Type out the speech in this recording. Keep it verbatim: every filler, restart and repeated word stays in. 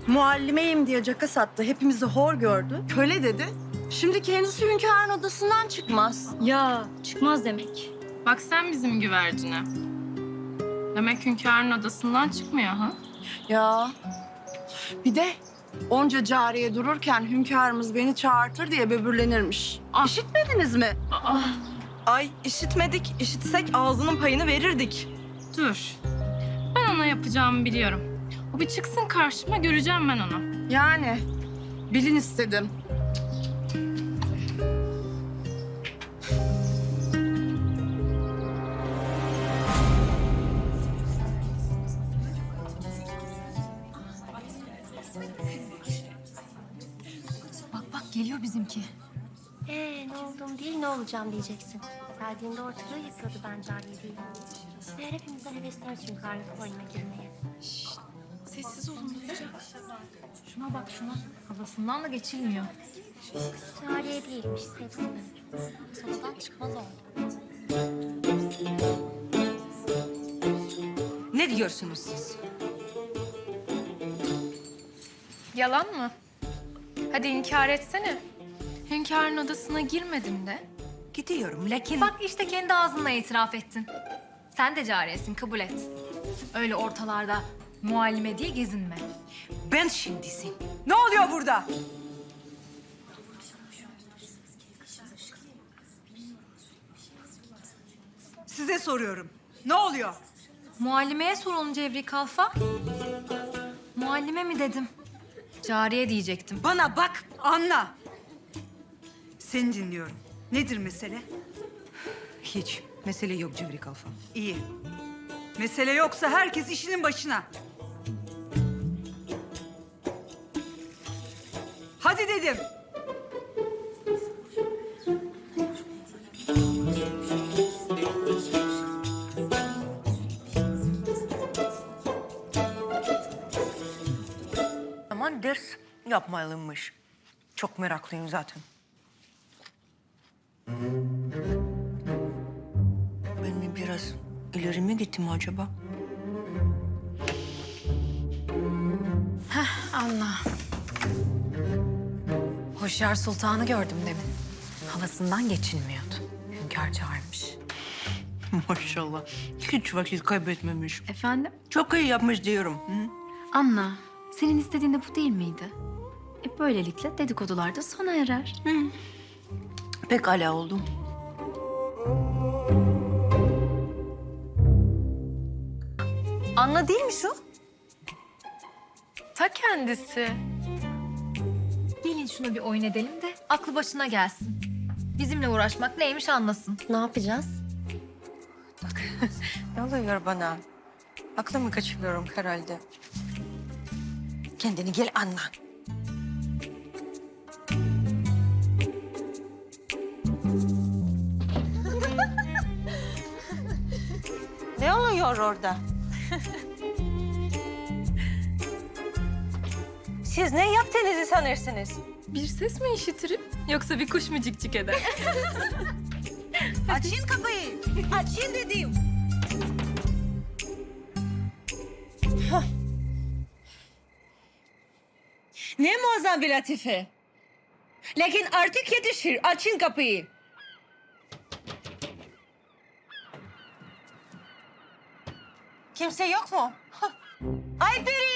Muallimeyim diye caka sattı. Hepimizi hor gördü. Köle dedi. Şimdi kendisi hünkârın odasından çıkmaz. Ya çıkmaz demek. Bak sen bizim güvercine. Demek hünkârın odasından çıkmıyor ha? Ya bir de onca cariye dururken hünkârımız beni çağırtır diye böbürlenirmiş. Ah. İşitmediniz mi? Aa, Ay işitmedik. İşitsek ağzının payını verirdik. dur. Ben ona yapacağımı biliyorum. O bir çıksın karşıma, göreceğim ben onu. Yani bilin istedim. Bak bak geliyor bizimki. Ee, ne olduğum değil, ne olacağım diyeceksin. Geldiğinde ortalığı yıkıyordu ben cariye değilim. Meğer hepimizden hevesleniz hünkârlık oyununa girmeye. Sessiz olun duyacak. Şuna bak şuna. Havasından da geçilmiyor. Cariye değilmiş, sevsin. Sonradan çıkmaz oldu. Ne diyorsunuz siz? Yalan mı? Hadi inkar etsene. Hünkârın odasına girmedim de. Gidiyorum lakin... Bak işte kendi ağzınla itiraf ettin. Sen de cariyesin, kabul et. Öyle ortalarda muallime diye gezinme. Ben şimdisin. Ne oluyor burada? Size soruyorum. Ne oluyor? Muallimeye sorulun Cevri Kalfa. Muallime mi dedim? Cariye diyecektim. Bana bak, anla. Seni dinliyorum. Nedir mesele? Hiç. Mesele yok Cevri Kalfa. İyi. Mesele yoksa herkes işinin başına. Hadi dedim. Aman ders yapmalıymış. Çok meraklıyım zaten. Ben mi biraz ileri mi gittim acaba? Anla. Hoşyar Sultan'ı gördüm demin. Havasından geçilmiyordu. Hünkâr çağırmış. Maşallah. Hiç vakit kaybetmemiş. Efendim? Çok iyi yapmış diyorum. Hı? Anla, senin istediğin de bu değil miydi? E böylelikle dedikodular da sona erer. Pekala oldu. Anla değil mi şu? Ta kendisi. Gelin şuna bir oyun edelim de aklı başına gelsin. Bizimle uğraşmak neymiş anlasın. Ne yapacağız? Ne oluyor bana? Aklımı kaçırıyorum herhalde. Kendini gel anla. Ne oluyor orada? Siz ne yaptığınızı sanırsınız? Bir ses mi işitirim yoksa bir kuş mu cikcik eder? Açın kapıyı. Açın dedim. Hah. Ne muazzam bir latife. Lakin artık yetişir. Açın kapıyı. Kimse yok mu? Hah. Ayperi!